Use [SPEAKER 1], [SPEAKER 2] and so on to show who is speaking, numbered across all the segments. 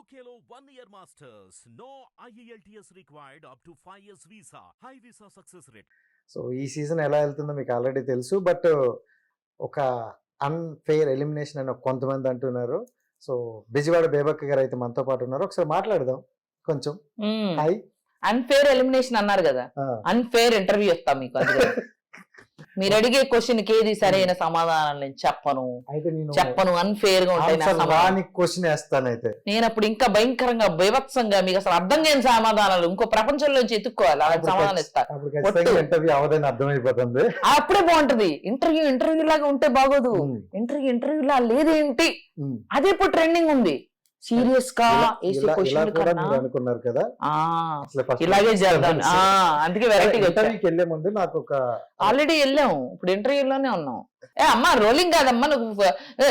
[SPEAKER 1] UKLO 1 year masters. No IELTS required up to 5 years visa. High visa success rate.
[SPEAKER 2] So ఈ season ఎలా వెళ్తుందో మీకు already తెలుసు. But ఒక అన్ఫెయిర్ ఎలిమినేషన్ అని కొంతమంది అంటున్నారు. సో బెజవాడ బేబక్క గారు అయితే మనతో పాటు ఉన్నారు. ఒకసారి మాట్లాడదాం కొంచెం. హాయ్.
[SPEAKER 3] అన్ఫేర్ ఎలిమినేషన్ అన్నారు కదా, అన్ఫేర్ ఇంటర్వ్యూ ఇస్తాం మీకు. అందుకే మీరు అడిగే క్వశ్చన్ కి ఏది సరైన సమాధానం నేను చెప్పను.
[SPEAKER 2] అయితే నేను
[SPEAKER 3] చెప్పను, అన్ఫేర్ గా ఉంటాయి నా
[SPEAKER 2] ఆన్సర్
[SPEAKER 3] సమాధానం.
[SPEAKER 2] రాని క్వశ్చన్ వేస్తాను. అయితే
[SPEAKER 3] నేను అప్పుడు ఇంకా భయంకరంగా బీభత్సంగా మీకు అసలు అర్థం కాని సమాధానాలు ఇంకో ప్రపంచంలోంచి ఎత్తుక్కోవాలి, అలాంటి సమాధానం ఇస్తా.
[SPEAKER 2] అప్పుడు ఖచ్చితంగా ఇంటర్వ్యూ అవదని అర్థమైపోతుంది.
[SPEAKER 3] అప్పుడే బాగుంటది. ఇంటర్వ్యూ లాగా ఉంటే బాగోదు. ఇంటర్వ్యూ లా లేదేంటి, అది ఇప్పుడు ట్రెండింగ్ ఉంది. సీరియస్ గా
[SPEAKER 2] అనుకున్నారు కదా,
[SPEAKER 3] ఇలాగే చేద్దాం. అందుకే వెరైటీగా
[SPEAKER 2] ఇంటర్వ్యూకి వెళ్లే ముందు నాకు ఒక
[SPEAKER 3] ఆల్రెడీ వెళ్ళాము, ఇప్పుడు ఇంటర్వ్యూలోనే ఉన్నాం. అమ్మా రోలింగ్ కాదమ్మా, నువ్వు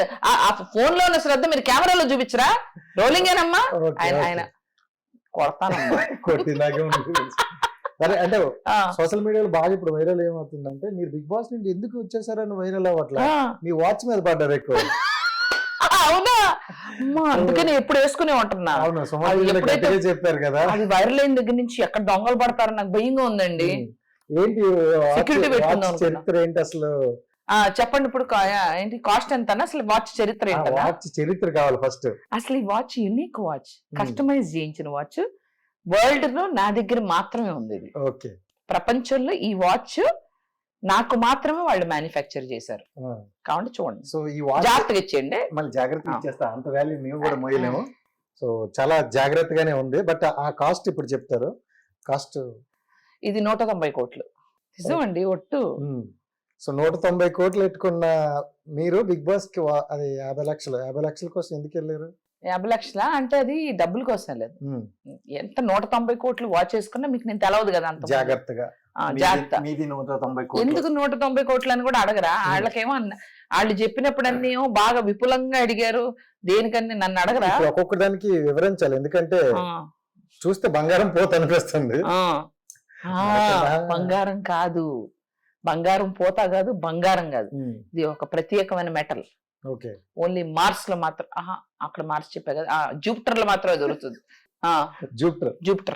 [SPEAKER 3] ఫోన్ లో ఉన్న శ్రద్ధ మీరు కెమెరాలో చూపించరా? రోలింగ్ ఏనమ్మా. ఆయన కొడతానమ్మా.
[SPEAKER 2] కొట్టినాకే సరే. అంటే సోషల్ మీడియాలో బాగా ఇప్పుడు వైరల్ ఏమవుతుందంటే, మీరు బిగ్ బాస్ నుండి ఎందుకు వచ్చేసారని వైరల్ అవ్వట్లా, మీ వాచ్ మీద పడ్డారు ఎక్కువ.
[SPEAKER 3] అవునా, అందుకని ఎప్పుడు వేసుకునే ఉంటున్నా.
[SPEAKER 2] చెప్పారు కదా,
[SPEAKER 3] అది వైరల్ అయిన దగ్గర నుంచి ఎక్కడ దొంగలు పడతారని నాకు భయంగా ఉందండి.
[SPEAKER 2] ఏంటి
[SPEAKER 3] సెక్యూరిటీ పెట్టుకుందాం.
[SPEAKER 2] చరిత్ర ఏంటి అసలు
[SPEAKER 3] చెప్పండి. ఇప్పుడు ఏంటి కాస్ట్ ఎంత అసలు? వాచ్ చరిత్ర ఏంటి?
[SPEAKER 2] వాచ్ చరిత్ర కావాలి ఫస్ట్.
[SPEAKER 3] అసలు ఈ వాచ్ యూనిక్ వాచ్, కస్టమైజ్ చేయించిన వాచ్. వరల్డ్ లో నా దగ్గర మాత్రమే ఉంది ఇది.
[SPEAKER 2] ఓకే.
[SPEAKER 3] ప్రపంచంలో ఈ వాచ్ నాకు మాత్రమే వాళ్ళు మ్యానుఫ్యాక్చర్ చేశారు. కాబట్టి చూడండి.
[SPEAKER 2] సో ఈ వాచ్
[SPEAKER 3] జాగ్రత్తగా ఇచ్చేయండి.
[SPEAKER 2] మళ్ళీ జాగ్రత్తగా ఇచ్చేస్తా, అంత వాల్యూ మేము కూడా మోయలేము. సో చాలా జాగ్రత్తగానే ఉంది. బట్ ఆ కాస్ట్ ఇప్పుడు చెప్తారు. కాస్ట్
[SPEAKER 3] ఇది 190 కోట్లు. నిజమండి, ఒట్టు.
[SPEAKER 2] సో 190 కోట్లు పెట్టుకున్న మీరు బిగ్ బాస్ కి అది 50 లక్షలు. 50 లక్షల కోసం ఎందుకు వెళ్ళారు?
[SPEAKER 3] 50 లక్షల అంటే అది డబ్బుల కోసం లేదు. ఎంత 190 కోట్లు వాచ్ చేసుకున్నా మీకు నేను తెలవదు కదా, అంత
[SPEAKER 2] జాగ్రత్తగా.
[SPEAKER 3] జాగ్రత్త.
[SPEAKER 2] మీది 190 కోట్లు.
[SPEAKER 3] ఎందుకు 190 కోట్లు అని కూడా అడగరా? వాళ్ళకేమో వాళ్ళు చెప్పినప్పుడు అన్నీ బాగా విపులంగా అడిగారు. దేనికని నన్ను అడగరా?
[SPEAKER 2] ఒక్కొక్క దానికి వివరించాలి, ఎందుకంటే చూస్తే బంగారం పోత అనిపిస్తుంది.
[SPEAKER 3] బంగారం కాదు, బంగారం పోతా కాదు, బంగారం కాదు. ఇది ఒక ప్రత్యేకమైన మెటల్. ఓన్లీ మార్స్ లో మాత్రం, అక్కడ మార్స్ చెప్పా కదా, జూపిటర్ లో మాత్రమే దొరుకుతుంది. జూపిటర్.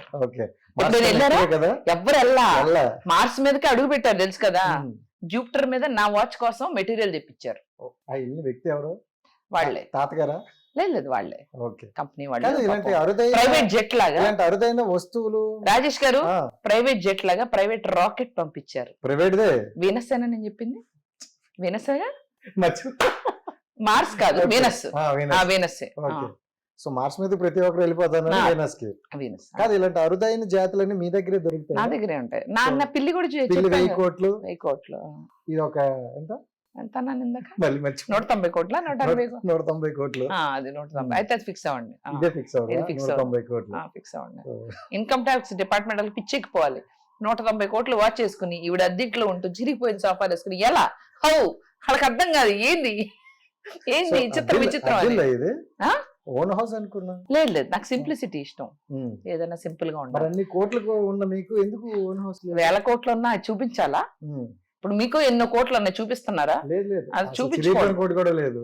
[SPEAKER 3] ఎవరు వెళ్ళా, మార్స్ మీదకి అడుగు పెట్టారు తెలుసు కదా. జూపిటర్ మీద నా వాచ్ కోసం మెటీరియల్ తెప్పించారు.
[SPEAKER 2] వ్యక్తి ఎవరు?
[SPEAKER 3] వాళ్ళే.
[SPEAKER 2] తాతగారా?
[SPEAKER 3] లేదు, వాళ్ళే. కంపెనీ వాళ్ళు. ప్రైవేట్ జెట్ లాగా
[SPEAKER 2] అరుదైన వస్తువులు.
[SPEAKER 3] రాజేష్ గారు ప్రైవేట్ జెట్ లాగా ప్రైవేట్ రాకెట్ పంపించారు.
[SPEAKER 2] ప్రైవేట్
[SPEAKER 3] వీనస్ అని నేను చెప్పింది. వీనసేగా, మార్స్ కాదు, వీనస్. వీనస్.
[SPEAKER 2] సో మార్స్ మీద ప్రతి ఒక్కరు వెళ్ళిపోతాను వీనస్ కి. కాదు, ఇలాంటి అరుదైన జాతులన్నీ మీ దగ్గరే దొరుకుతాయి?
[SPEAKER 3] నా దగ్గరే ఉంటాయి. నా పిల్లి కూడా
[SPEAKER 2] 1000 కోట్లు.
[SPEAKER 3] 1000 కోట్లు.
[SPEAKER 2] ఇది ఒక ఎంత
[SPEAKER 3] ఎంత అన్నాను ఇందాక?
[SPEAKER 2] 190
[SPEAKER 3] కోట్ల
[SPEAKER 2] 190 కోట్లు.
[SPEAKER 3] అది 190. అయితే అది ఫిక్స్ అవ్వండి.
[SPEAKER 2] ఇదే ఫిక్స్ అవ్వండి. 190 కోట్లు
[SPEAKER 3] ఫిక్స్ అవ్వండి. ఇన్కమ్ ట్యాక్స్ డిపార్ట్మెంట్ వాళ్ళకి పిచ్చెక్కిపోవాలి. 190 కోట్లు వాచ్ చేసుకుని ఈవిడ అద్దెంట్లో ఉంటూ చిరిగిపోయిన సోఫాలు వేసుకుని ఎలా? హౌ? వాళ్ళకి అర్థం కాదు. ఏంది విచిత్రం
[SPEAKER 2] ఇది. ఓన్ హౌస్ అనుకున్నా.
[SPEAKER 3] లేదు, నాకు సింప్లిసిటీ ఇష్టం. ఏదైనా సింపుల్ గా ఉండాలి.
[SPEAKER 2] అన్ని కోట్లు ఉన్న మీకు ఎందుకు ఓన్ హౌస్?
[SPEAKER 3] 1000 కోట్లు ఉన్నా చూపించాలా? ఇప్పుడు మీకు ఎన్నో కోట్లు ఉన్నాయి, చూపిస్తున్నారా?
[SPEAKER 2] లేదు,
[SPEAKER 3] అది చూపించుకోండి.
[SPEAKER 2] కోటి కూడా లేదు.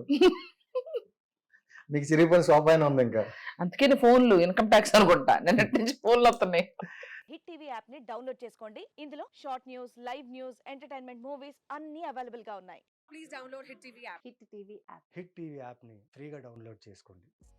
[SPEAKER 2] మీకు చిరిగిపోయిన సోఫా అయినా ఉంది ఇంకా.
[SPEAKER 3] అందుకే ఫోన్లు ఇన్కమ్ ట్యాక్స్ అనుకుంటా. నిన్నటి నుంచి ఫోన్లు వస్తున్నాయి.
[SPEAKER 4] హిట్ టీవీ యాప్ ని డౌన్లోడ్ చేసుకోండి. ఇందులో short news, live news, entertainment movies అన్ని అవైలబుల్ గా ఉన్నాయి.
[SPEAKER 5] Please download hit TV app.
[SPEAKER 4] Hit TV app
[SPEAKER 6] hit TV app ని ఫ్రీగా డౌన్లోడ్ చేసుకోండి.